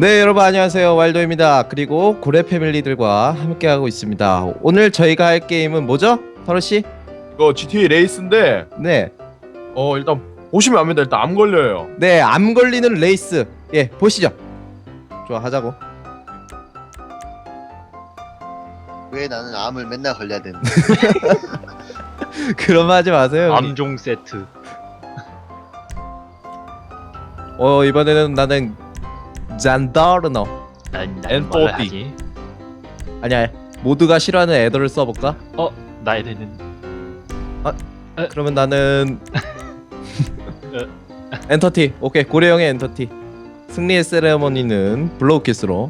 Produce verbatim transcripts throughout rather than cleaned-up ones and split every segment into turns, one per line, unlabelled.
네, 여러분 안녕하세요. 왈도입니다. 그리고 고래 패밀리들과 함께하고 있습니다. 오늘 저희가 할 게임은 뭐죠? 타로씨?
이거 지티에이 레이스인데
네.
어 일단 보시면 압니다. 일단 암 걸려요.
네, 암 걸리는 레이스. 예, 보시죠. 좋아, 하자고.
왜 나는 암을 맨날 걸려야 되는
그런 말 하지 마세요. 형님.
암종 세트.
어, 이번에는 나는 잔다르너.
난
엔포티.
뭘 하지?
아니야, 모두가 싫어하는 애더를 써볼까?
어, 나에 되는.
그러면 나는 엔터티. 오케이, 고래형의 엔터티. 승리의 세레머니는 블로우키스로.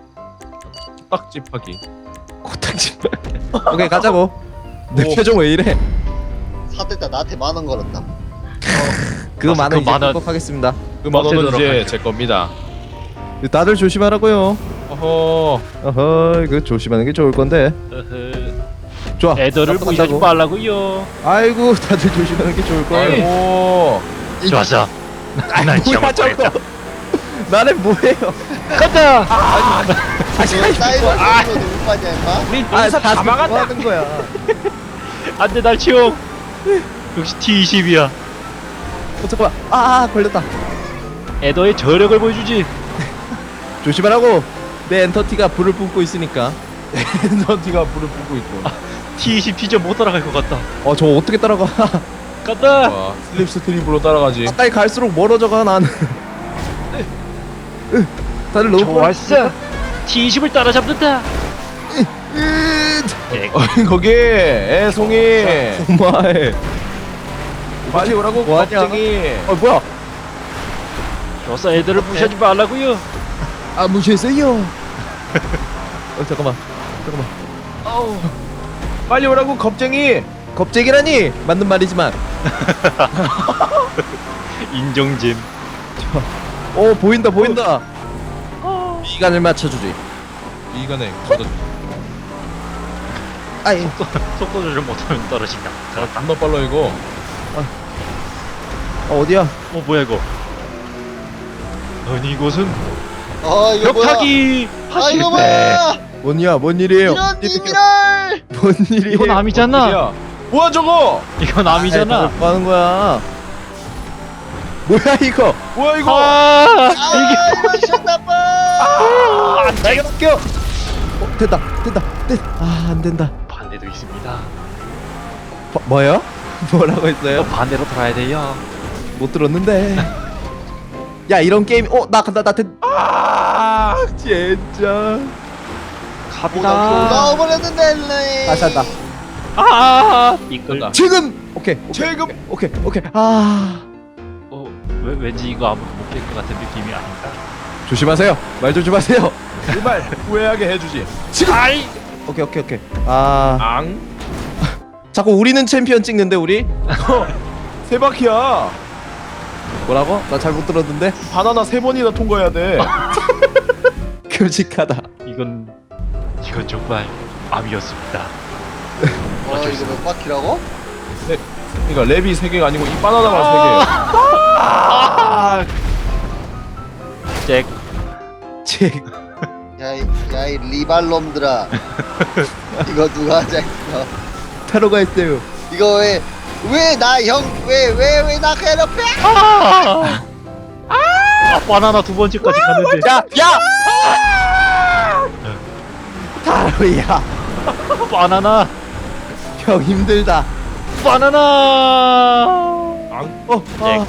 딱집하기.
코딱지. 오케이, 가자고. 내
오.
표정 왜 이래?
사대다 나한테 만 원 걸었다.
그
맞아,
만원
그
이제
만 원.
극복하겠습니다.
그 만 원은
없애도록
이제
할게요.
제 겁니다.
다들 조심하라고요.
어허.
어허, 이거 조심하는 게 좋을 건데.
어허.
좋아.
애들을
나도
무시하지
간다고.
말라고요.
아이고, 다들 조심하는 게 좋을 거예요.
아이고.
좋았어. 난
뭐야
정말
저거? 나는 뭐예요?
간다.
너 사이버 쪽으로 누구 빠냐 임마?
우리
아,
여기서
다
다
뭐
막았다.
하는 거야.
안돼 날 치용. 역시 티 이십이야.
어, 잠깐만. 아, 아, 걸렸다.
애더의 저력을 보여주지.
조심하라고. 내 엔터티가 불을 뿜고 있으니까.
엔터티가 불을 뿜고 있고.
티 이십 피자 못 따라갈 것 같다.
어, 저 어떻게 따라가?
간다.
와, 슬립 스트립으로 따라가지.
가까이 갈수록 멀어져가 나는. 으, 다들 너무
좋았어. 티 이십을 따라잡는다. 예,
어, 거기 애송이.
정말.
빨리 오라고
뭐하냐?
겁쟁이.
어, 뭐야?
좋았어. 애들을 무시하지 말라고요.
아, 무시했어요. 어, 잠깐만. 잠깐만.
어우.
빨리 오라고 겁쟁이.
겁쟁이라니 맞는 말이지만.
인정잼.
오, 보인다, 보인다. 미간을 맞춰주지.
이간에 걷어.
아이,
속도 조절 못하면 떨어진다. 잘했다.
존나 빨라 이거.
어, 어디야?
어 뭐야 이거? 아니 이곳은
어 이거 뭐야?
벽타기
아
하실
이거
때.
뭐야?
뭔이야? 뭔 일이에요?
이런 님이랄!
뭔 일이에요?
이건 암이잖아.
야, 뭐야 저거?
이건 암이잖아.
뭐 하는 거야? 뭐야 이거?
뭐야 이거?
아,
아 이거 샷나빠!
아,
나이가 껴. 어, 됐다, 됐다, 됐. 아, 안 된다.
반대도 있습니다.
뭐, 뭐요? 뭐라고 했어요?
이거 반대로 돌아야 돼요.
못 들었는데. 야, 이런 게임. 어, 나 간다, 나 됐. 아, 진짜.
갑니다.
나와버렸는데
다시 한다.
아, 이걸.
됐다.
지금. 오케이. 오케이,
지금.
오케이, 오케이. 아,
어, 왜, 왠지 이거 아무도 못깰 것 같은 느낌이 아닌가.
조심하세요. 말 조심하세요.
제발 후회하게 해주지.
지금.
아이.
오케이, 오케이, 오케이. 아,
앙.
자꾸 우리는 챔피언 찍는데 우리?
세 바퀴야.
뭐라고? 나 잘못 들었는데.
바나나 세 번이나 통과해야 돼.
끔찍하다.
이건 이건 정말 암이었습니다.
와 이거 몇 바퀴라고?
그러니까 랩이 세 개가 아니고 이 바나나가 세 개야.
아, 잭.
제
야이 야이 리발놈들아 이거 누가 하자 이거
타로가 있어요.
이거 왜 왜 나 형 왜 왜 왜 나 괴롭혀?
아, 아, 바나나 두 번째까지 갔는데.
야, 야! 타로야,
바나나,
형 힘들다.
바나나.
앙.
어, 아,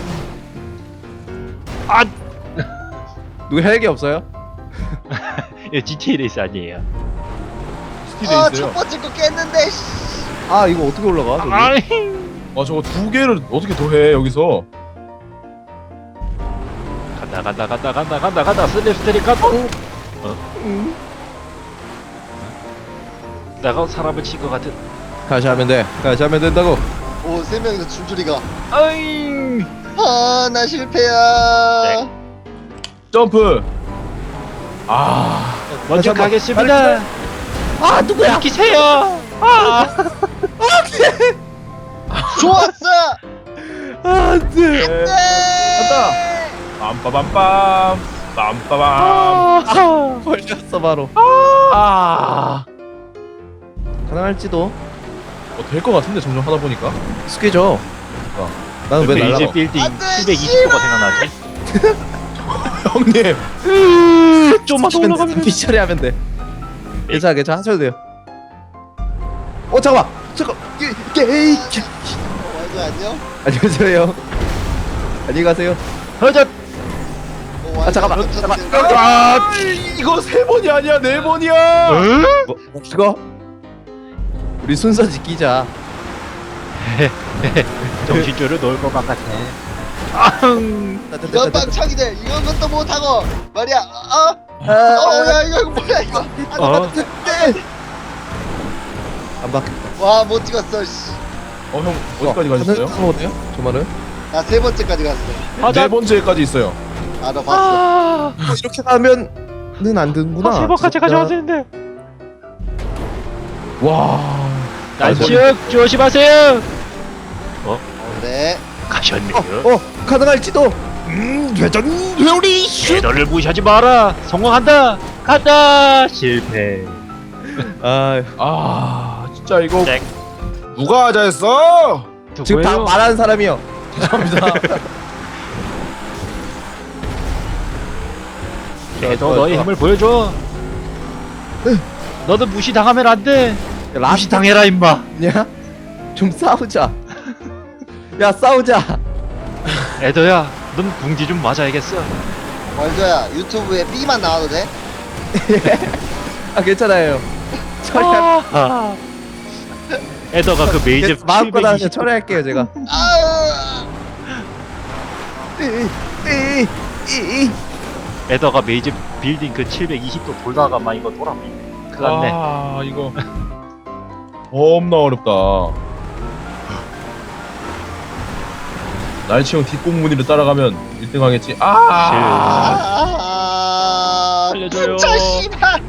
아,
누구 헬기 없어요?
이거 지티에이 레이스 아니에요.
스티드
아첫
있어요.
번째 거 깼는데 씨.
아, 이거 어떻게 올라가? 저기?
아이.
아 저거 두 개를 어떻게 더 해 여기서?
간다 간다 간다 간다 간다 간다 슬립 스테리 간다.
음.
내가 사람을 친 것 같은.
다시 하면 돼. 다시 하면 된다고.
오 세 명이서 줄줄이가
아잉.
아나 실패야.
네.
점프. 아.
먼저
한번,
가겠습니다.
아, 누구야?
기세요. 아,
좋았어.
안 돼.
네.
간다. 빰빠밤빰. 빰빠밤.
아,
걸렸어 바로.
아.
가능할지도.
어, 될 것 같은데 점점 하다 보니까.
익숙해져.
어.
나는 왜 날라?
베이지 빌딩
안 돼,
칠백이십 도가 생각나지?
형님.
좀만 더 올라가면
피 처리하면 돼. 괜찮아 괜찮아 하셔도 돼요. 어 잠깐만 잠깐. 게이.
어, 완전 안녕.
안녕하세요. 안녕히 가세요.
허젓!
어, 완전
잠깐만,
안녕.
잠깐만.
아, 이거 세 번이 아니야 네 번이야.
응?
뭐 이거? 우리 순서 지키자.
정신줄을 놓을 것 같아. 아흥!
이건 빵창이네. 이건 것도 못하고 말이야. 어?
아,
어야 이거 이거 뭐야 이거.
어?
안 바뀌.
와못 찍었어. 씨.
어, 형 어디까지 가셨어요?
어때요? 저말은?
나 세 번째까지 갔어.
네
하자!
번째까지 있어요.
아 너 봤어.
아,
뭐 이렇게 가면은 안 되는구나.
세 번까지
진짜.
가져가야 되는데.
와.
날치역 조심하세요!
네.
가셨네요.
어, 어 가능할지도. 음, 회전 회오리 슛.
배너를 무시하지 마라. 성공한다. 간다. 실패.
아,
아, 진짜 이거
땡.
누가 하자 했어?
지금 다
누구예요?
말하는 사람이요.
죄송합니다.
배너 너의 힘을 보여줘. 너도 무시 당하면 안 돼.
라스
무시 당해라 임마.
냐? 좀 싸우자. 야 싸우자.
에더야, 넌 궁지 좀 맞아야겠어.
월드야 유튜브에 B만 나와도 돼?
아 괜찮아요. 처리할.
아, 에더가 그 메이저
마음껏 하세요.
칠백이십
처리할게요 제가.
아.
이, 이, 이.
에더가 메이저 빌딩 그 칠백이십 도 돌다가 막 이거 돌아버리네. 큰일 났네.
아, 이거 겁나 어렵다. 날치형 뒷공무니를 따라가면 일 등 하겠지. 아,
아.
알려줘요.
자 씨발.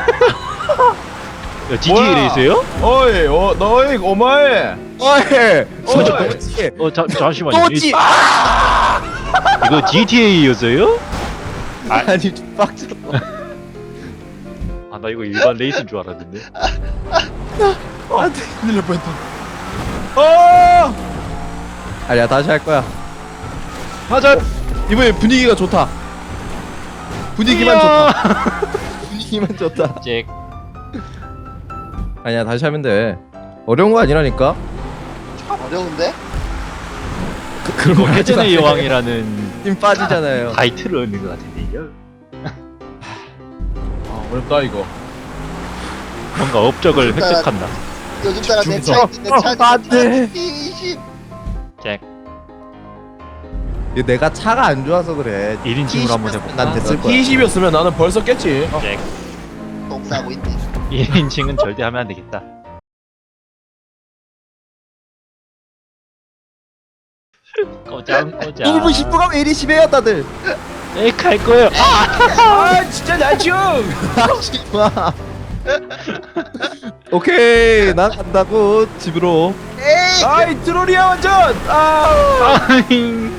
야, 지티에이
뭐야?
레이스예요?
어이, 어, 너희 오마에.
어이.
어이.
뭐지?
어, 자, 잠시만요.
또지.
이- 이거 지티에이였어요?
아니 좀 빡쳤어.
아, 나 이거 일반 레이스인 줄 알았는데.
안돼.
큰일 날 뻔했다. 어!
아니야 다시 할 거야.
하자.
이번에 분위기가 좋다. 분위기만 좋다. 분위기만 좋다.
잭.
아니야 다시 하면 돼. 어려운 거 아니라니까.
어려운데?
그, 그런 거 하지
해전의
마세요.
여왕이라는
힘 빠지잖아요.
타이틀을 얻는 것 같은데요.
아, 어렵다 이거.
뭔가 업적을
일단-
획득한다.
요즘 따라 내
중성.
차 있는데 차
어, 안 돼.
이십.
잭.
이거 내가 차가 안 좋아서 그래.
일 인칭으로 한번
T20
해볼까?
난 됐을 거야.
티 이십이었으면 나는 벌써 깼지. 어.
잭.
똥 싸고 있네.
일 인칭은 절대 하면 안 되겠다. 꼬장 꼬장.
일부 십 분가 왜 이리 심해요 다들.
에이 갈 거예요.
아, 진짜 날치형.
와. 오케이 난 간다고 집으로.
에이.
아이, 트롤이야 완전. 아.
아잉.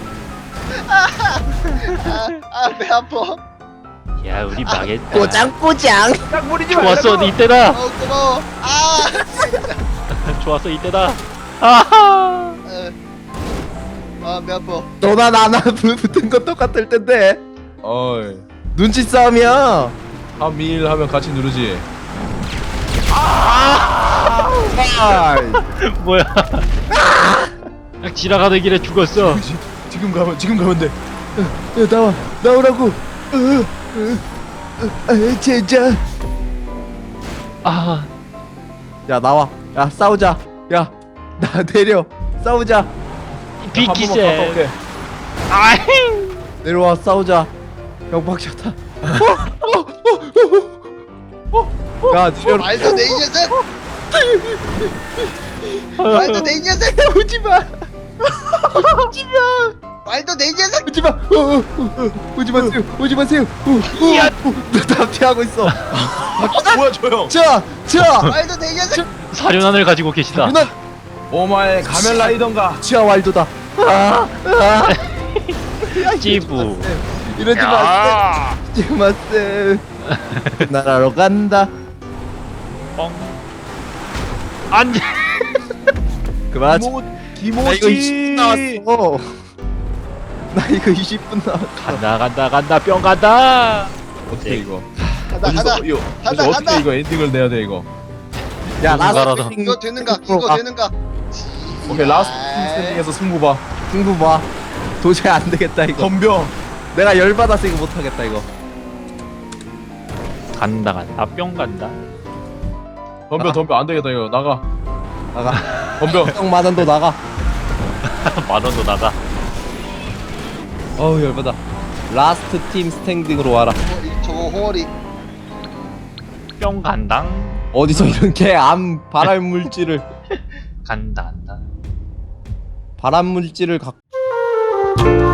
아배 아파.
야 우리 망했다.
꼬장.
딱 무리지
좋았어
말라고.
이때다.
어 고마워. 아.
좋았어 이때다. 아하.
아배 아파.
너나 나나 붙은 거 똑같을 텐데.
어이.
눈치 싸움이야.
한미일 하면 같이 누르지.
아.
뭐야? 딱 지나가는 길에 죽었어.
지- 지금 가면 지금 가면 돼.
야 나와 나오라고. 어, 어, 어, 아, 진짜.
아
야 나와. 야 싸우자. 야 나 내려. 싸우자.
비키세. 아잉.
내려와 싸우자. 영박샷다. 야 내려.
말도 내 이 녀석. 말도 내 이 녀석.
오지마.
말도 내 이 녀석.
오지마. 어, 어, 어, 오지 마세요. 오지 마세요. 어, 어,
야.
어, 나 피하고 있어.
뭐야 저 형.
자, 자.
말도 내 이 녀석.
사륜안을 가지고 계시다.
누나
오마에 가면라이던가.
치아 왈도다. 아, 아.
찌부.
이러지 마세요.
야!
이러지 마세요. 나라로 간다.
뻥. 안 돼.
그만.
기모
나 이거 이십 분
기모지.
나왔어. 나 이거 이십 분 나왔어.
간다 간다 간다 뿅 간다.
어떻게 이거?
가다
어디서
가다
이거
가다,
어디서 어떻게
가다.
이거 엔딩을 내야 돼 이거?
야
누군가라도.
라스트
이거 되는가 이거 되는가
오케이 라스트
아이.
스탠딩에서 승부 봐.
승부 봐. 도저히 안 되겠다 이거.
덤벼.
내가 열 받아서 이거 못 하겠다 이거.
간다 간다 뿅 간다.
덤벼 덤벼 안 되겠다 이거 나가.
나가.
덤벼.
형만 원도 나가.
만 원도 나가.
어우 열 받아. 라스트 팀 스탠딩으로 와라.
어, 이- 저거 홍어리
뿅 간당.
어디서 이런 개암 발암 물질을
간다 간다.
발암 물질을 갖고